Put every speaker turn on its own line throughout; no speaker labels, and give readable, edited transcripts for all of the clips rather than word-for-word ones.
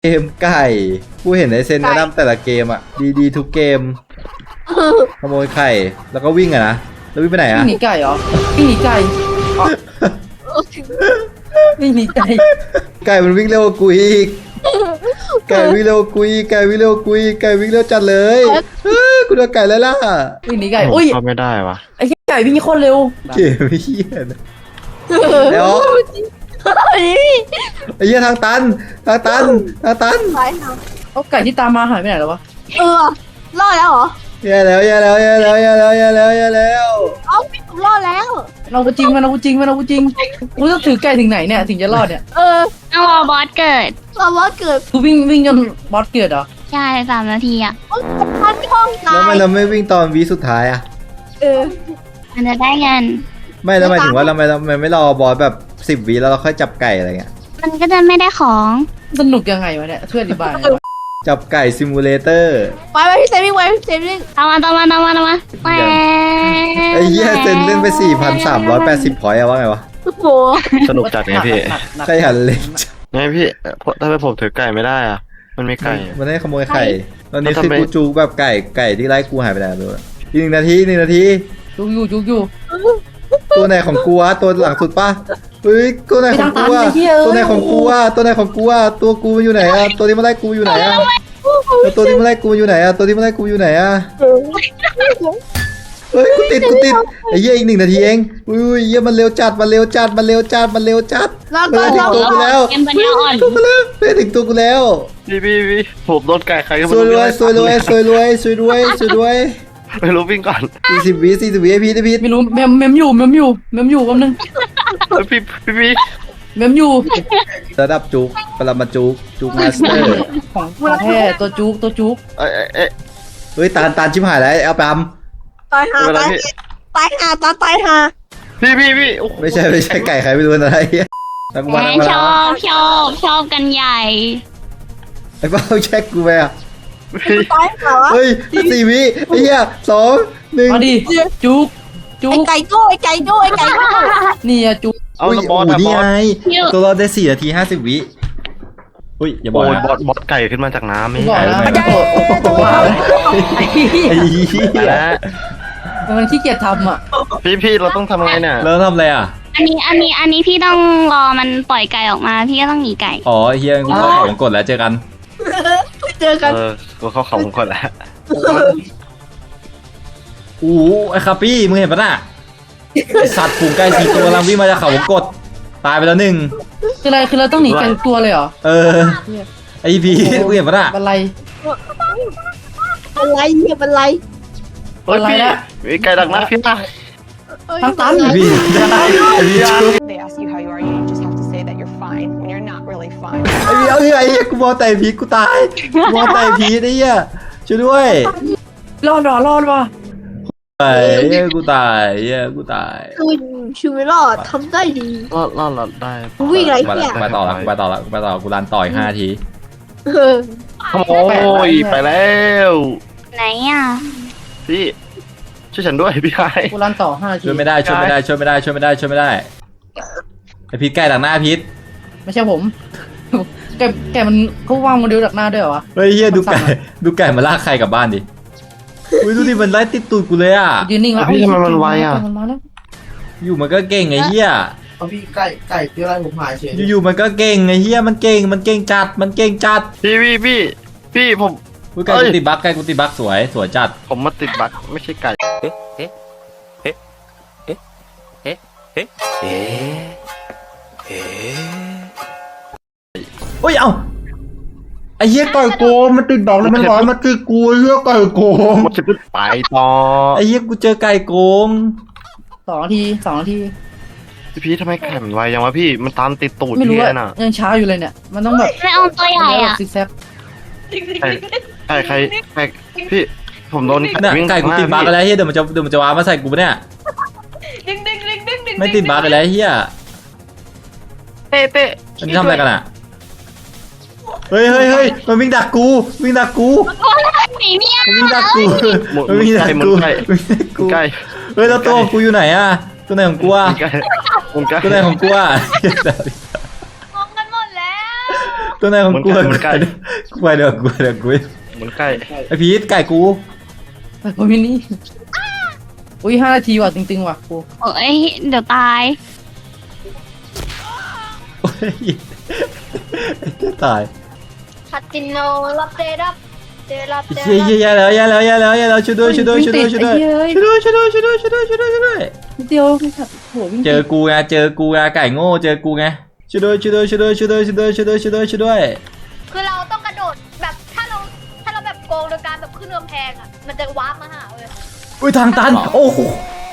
เกมไก่กูเห็นไอเซนแนะนำแต่ละเกมอ่ะดีทุกเกมขโมยไข่แล้วก็วิ่งอะนะแล้ววิ่งไปไหน
วิ่
อะ
งหนีไก่เหรอวิ่งหนีไก่วิ่งหนีไก่
ไก่มันวิ่งเร็วกว่ากูอีกไก่วิ่งเร็วกว่ากูอีกไก่วิ่งเร็วกว่ากูอีกไก่วิ่งเร็วจัดเลยกูโดนไก่แล้วล่ะ
วิ่งหนีไก่อุ้ย
เข้าไม่ได้วะ
ไอ้ไก่วิ่งโคตรเร็ว
เกมเฮียนะเดี๋ยวไอ้เหี้ยทางตันทางตัน
ไปค่ะ
เอาไก่ที่ตามมาหายไปไหนแล้ววะ
รอดแล้วเหรอ
แย่แล้ว
เอาพี่ผมรอดแล้ว
เรากูจริงมันเรากูจริงกูต้องถือไก่ถึงไหนเนี่ยถึงจะรอดเนี่ย
ต้องรอบอสเกิด
เราว่าเกิด
กูวิ่งจนบอสเกิดเหรอ
ใช่3 นาทีอ่ะ
พันช่องตา
แล้วมัน
ย
เราไม่วิ่งตอนวีสุดท้ายอะ
มันจะได้เงิน
ไม่แล้วหมายถึงว่าเราไม่รอบอสแบบ10 วิแล้วเราค่อยจับไก่อะไรเงี้ย
มันก็จะไม่ได้ของ
สนุกยังไงวะเนี่ยช่วยอธิบายหน่อยวะ
จับไก่ซิมูเลเตอร์
ไปพี่เซฟวิ่งไปพี่เซฟวิ่ง
ตามมาแหว
ไอ้เหี้ยเซนเล่นไป 4,380 พอยต์อะว่าไงวะ
โอ้โห
สนุกจัดไงพี่
หนัก
ใครหันเล็ก
ไงพี่ถ้าไปผมถือไก่ไม่ได้อ่ะ มันไม่ไก่
มันให้ขโมยไข่ตอนนี้
แล้ว
คือ
ทำไม
กูจูแบบไก่ที่ไล่กูหายไปไหนไม่รู้อะอีก1 นาที
จุกอยู่
ตัวไหนของกูวะตัวหลังสุดป่ะเฮ้ยตัวไหนของกูอะ
ไปทางตันไอ้เหี้ย
ตัวไหนของกูอะตัวกูมันอยู่ไหนอะตัวที่มาไล่กูอยู่ไหนอะแล้วตัวที่มาไล่กูอยู่ไหนอะเฮ้ยกูติดไอ้เหี้ยอีก1 นาทีเองอุ้ยเหี้ยมันเร็วจัด
แล้ว
เฮ้
ก็
ยถึงตัวกูแล้ว
เกมปัญญาอ่อน
เฮ้ยถึงตัวกูแล้ว
พี่ผมโดนไก่ใครก็
ส
ไม่
วย
รู้
รวย
ไม่รู้วิ่งก่อน
40 วิไอพี
ไม่รู้เมมอยู่แป๊บนึง
พี่
เมมอยู่
ระดับจุกปรมาจุกมาสเตอร์
ของแท้ตัวจุก
เอ้ย
เฮ้ยตาลชิบหายแล้วเอาปั๊ม
ตายหา
เวลาพี่
ตายหาตายหา
พี่โอ้โห
ไม่ใช่ไก่ใครไม่รู้อะไรแล้วกู
แห
มาม
ชอบกันใหญ่
ไอ้เป้าแช็กกูไปอ่ะ
พี่
ตายหา
เฮ้ย4 วิไอ้เหี้ย2 1
มาดิจุก
ไอ้ไก่โก้ไอ้ไก่โก้
นี่อะจุก
เอา
อุ้ย
แล้วบอส
โอ้
อะ
นี่
บอส
ไงตัวเราได้4 นาที 50 วิอุ้ยอย่าบอ
โอ้
ก
ย
นะ
บอสไก่ขึ้นมาจากน้ำไม่
บอก
ไก่
แล้ว
ไม่
ว้าวไอ้เหี้ย
ไอ้เหี้ย
แล้ว
มันขี้เกียจทำอ่ะ
พี่เราต้องทำไงเนี่ย
แล้วทำอะไรอ่ะ
อันนี้พี่ต้องรอมันปล่อยไก่ออกมา พี่ก็ต้องหนีไก่
อ๋อเฮียกูของกดแล้วเจอกัน
เจอกัน
กูเข้าเขาก่อนแล้ว
อู้ไอ้คาปี้มึงเห็นปะน่ะไอ้สัตว์ฝูงไก่4 ตัวกำลังวิ่งมาจากเขาวงกดตายไปแล้ว1
คือเราต้องหนีไก่ทุกตัวเลยเหรอ
เออไอพีมึงเห็นปะน่ะ
บันไล
อะไรเนี่ยเป็นไร
เฮ้ยพี่มีไก่ดักนะพี่นะ
ทั้งตัน
ไอพีไอพีชุบ
They ask you how you are, you just have to say that you're fine when you're not really fine.
ไอพีเอาไอ้เหี้ยกูมองแต่พีกูตายกูมองแต่พีไอ้เหี้ยช่วยด้วย
รอดว่ะ
ไอ้เหี้ยกูตายเหี้ยกูตาย
คือชีวิตรอดทำได้ดี
รอดได้
วิ่งไร
มา
เนี่ย
ต่อกูรันต่ออีก5 นาที
ขโมยไปแล้ว
ไหนอ่ะ
พี่ช่วยฉันด้วยพี่ไอ้
กูรันต่อ5 นาที
ช่วยไม่ได้ไอพีไก่หลังหน้าพีท
ไม่ใช่ผม แกมันเขาวางโมเดลดักหน้าด้วยเหรอวะ
เฮ้ยเหี้ยดูไก่มาลากใครกลับบ้านดิอุ้ยดูดิมันไล่ติดตูดกูเลยอ่ะ
ยืนนิ่งแล้ว
พี่ทำไมมันไวอ่ะ
มันมาแล้ว
อยู่มันก็เก่งไอ้เหี้ย
เอาพี่ไก่ที่ไรผมหายเฉย
อยู่ๆมันก็เก่งไอ้เหี้ยมันเก่งจัด
พี่ผม
อุ้ยไก่กูติดบั๊กสวยจัด
ผมมาติดบั๊กไม่ใช่ไก่
เฮ้ยเอ้าไอ้เหี้ยไก่โกงมันติดบั๊กแล้วมันร้อยมาติดกูไอ้เหี้ยไก่โกง
มันจะไปต่อ
ไอ้เหี้ยกูเจอไก่โกง
2 นาที
พี่ทำไมไก่มันไวยังวะพี่มันตามติดตูด
ไม่รู้
พี่
ว่า
น่ะ
ยังช้าอยู่เลยเนี่ยมันต้องแบบ
ไม่เอาตัวใหญ่อ่ะ
ซิกแซก
ใครพี่ผมโดน
เนี่ยไก่กูติดบั๊กแล้วเหี้ยเดี๋ยวมันจะว้ามาใส่กูปะเนี่ยไม่ติดบั๊กแล้วเหี้ย
เต้
อันนี้ทำอะไรกันอ่ะเฮ้ยมันวิ่งดักกู
หนีเนี่ย
มันวิ่งดักกูมันวิ่งดักกู
ไก่
เฮ้ยแล้วตัวของกูอยู่ไหนอ่ะตัวไหนของกูอ่ะ
ไก่
ตัวไหนของกูอ่ะ
งงกันหมดแล้ว
ตัวไหนของกู
เหมือนไก่
กูไปเดี๋ยวกู
เหมือนไก่
ไอพีทไก่กู
ไปโอ้ยนี่อุ้ย5 นาทีว่ะจริงๆว่ะกู
โอ้ยเดี๋ยวตาย
โอ้ยจะตาย
คาติโนรับเดรับเดรับเด
เย้
รับ
แย่แล้วช่วยด้วยนิดเดียวไม่ขัดโหวิ่งเจอกูไงไก่โง่เจอกูไงช่วยด้วย
คือเราต้องกระโดดแบบถ้าเราแบบโกงโดยการแบบขึ้นกำแพงอ่ะมันจะวาร์ปมาหาเลย
อุ้ยทางตันโอ้โห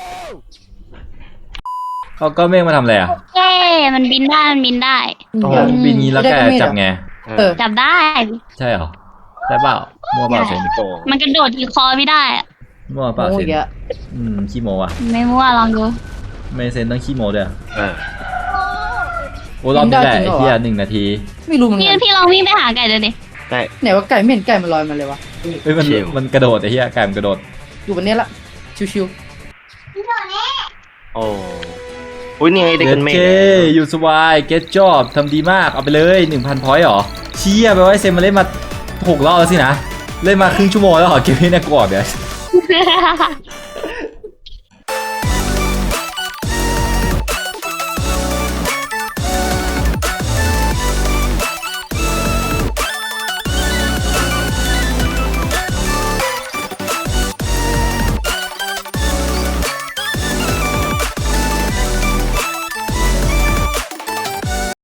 เขาก็เมฆมาทำอะไรอ่ะ
เย้มันบินได้
โอ้โห
บินงี้แล้วแกจับไง
จับได้
ใช่เหรอได้เปล่ามั่วเปล่าเซน
โต
มันกระโดดที่คอไม่ได้อะ
มั่วเปล่า
โอ้
เซ
ย
น
แก
ขี้โมอ่ะ
ไม่มั่วลองดู
ไม่เซนต้องขี้โมด้วย
อ่า
โอ้รอบนี้แหละไอ้เหี้ย1 นาที
ไม่รู้เหมือน
พี่
กัน
พี่ลองวิ่งไปหาไก่ดูดิ
ได้
ไหนว่าไก่ไม่เห็นไก่มันลอยมาเลยวะ
เฮ้ยมันกระโดดไอ้เหี้ยไก่มันกระโดด
อยู่บนเนี้ยละชิว
โอ้อุ้ยนี่ไงเด็กกันเมฆ
เจ๊อยู่สบายเก็ตจ็อบทำดีมากเอาไปเลย 1,000 พอยต์หรอเชี่ยแปลว่าเซนมาเล่นมา6 รอบแล้วสินะเล่นมาครึ่งชั่วโมงแล้วเหรอเกมนี้น่ากลัวเดี๋ยว